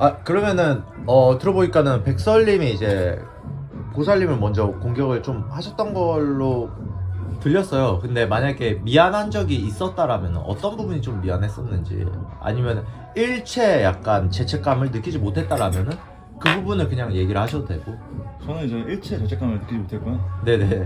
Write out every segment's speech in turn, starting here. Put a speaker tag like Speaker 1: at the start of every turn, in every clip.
Speaker 1: 아 그러면은 들어보니까는 백설님이 이제 보살님을 먼저 공격을 좀 하셨던 걸로 들렸어요. 근데 만약에 미안한 적이 있었다라면 어떤 부분이 좀 미안했었는지, 아니면 일체 약간 죄책감을 느끼지 못했다라면은 그 부분을 그냥 얘기를 하셔도 되고.
Speaker 2: 저는 이제 일체 죄책감을 느끼지 못했고요.
Speaker 1: 네네.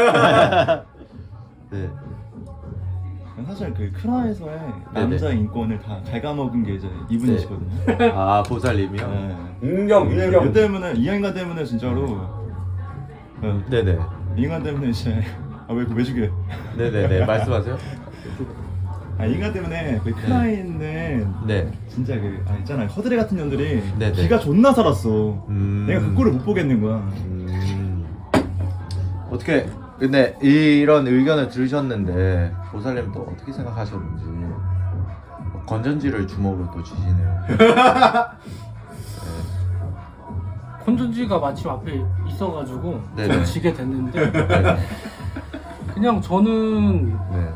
Speaker 1: 네.
Speaker 2: 사실 그 크라에서의
Speaker 1: 네네.
Speaker 2: 남자 인권을 다 갉아먹은 게 이제 이분이시거든요.
Speaker 1: 아 보살님이요?
Speaker 2: 네.
Speaker 3: 인정.
Speaker 2: 이 때문에 이 인간 때문에 진짜로
Speaker 1: 네네.
Speaker 2: 이 인간 때문에 이제 왜 죽여?
Speaker 1: 네네네. 말씀하세요.
Speaker 2: 이 인간 때문에 그 크라에 있는
Speaker 1: 네.
Speaker 2: 진짜 있잖아요, 허드레 같은 년들이
Speaker 1: 네네.
Speaker 2: 기가 존나 살았어. 내가 그 꼴을 못 보겠는 거야.
Speaker 1: 어떻게 근데 이런 의견을 들으셨는데 보살님 또 어떻게 생각하셨는지. 건전지를 주먹으로 또 쥐시네요.
Speaker 4: 건전지가 마침 앞에 있어가지고
Speaker 1: 네네.
Speaker 4: 좀 지게 됐는데
Speaker 1: 네.
Speaker 4: 그냥 저는
Speaker 1: 네.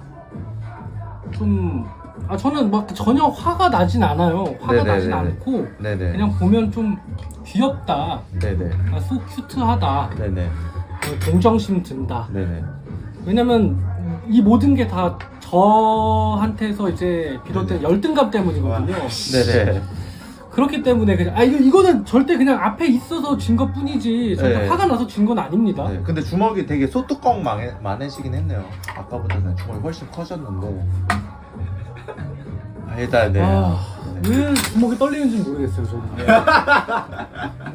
Speaker 4: 좀 저는 막 전혀 화가 나진 않아요. 화가
Speaker 1: 네네네네.
Speaker 4: 나진 않고
Speaker 1: 네네.
Speaker 4: 그냥 보면 좀 귀엽다,
Speaker 1: 네네.
Speaker 4: 소 큐트하다,
Speaker 1: 네네.
Speaker 4: 동정심 든다.
Speaker 1: 네네.
Speaker 4: 왜냐면 이 모든 게 다 저한테서 이제 비롯된
Speaker 1: 네네.
Speaker 4: 열등감 때문이거든요.
Speaker 1: 네네.
Speaker 4: 그렇기 때문에 그냥 이거는 절대 그냥 앞에 있어서 진 것 뿐이지 절대
Speaker 1: 네.
Speaker 4: 화가 나서 진 건 아닙니다.
Speaker 1: 네. 근데 주먹이 되게 소뚜껑 많으시긴 했네요. 아까보다는 주먹이 훨씬 커졌는데. 일단 네.
Speaker 4: 왜 주먹이 떨리는지 모르겠어요, 저는.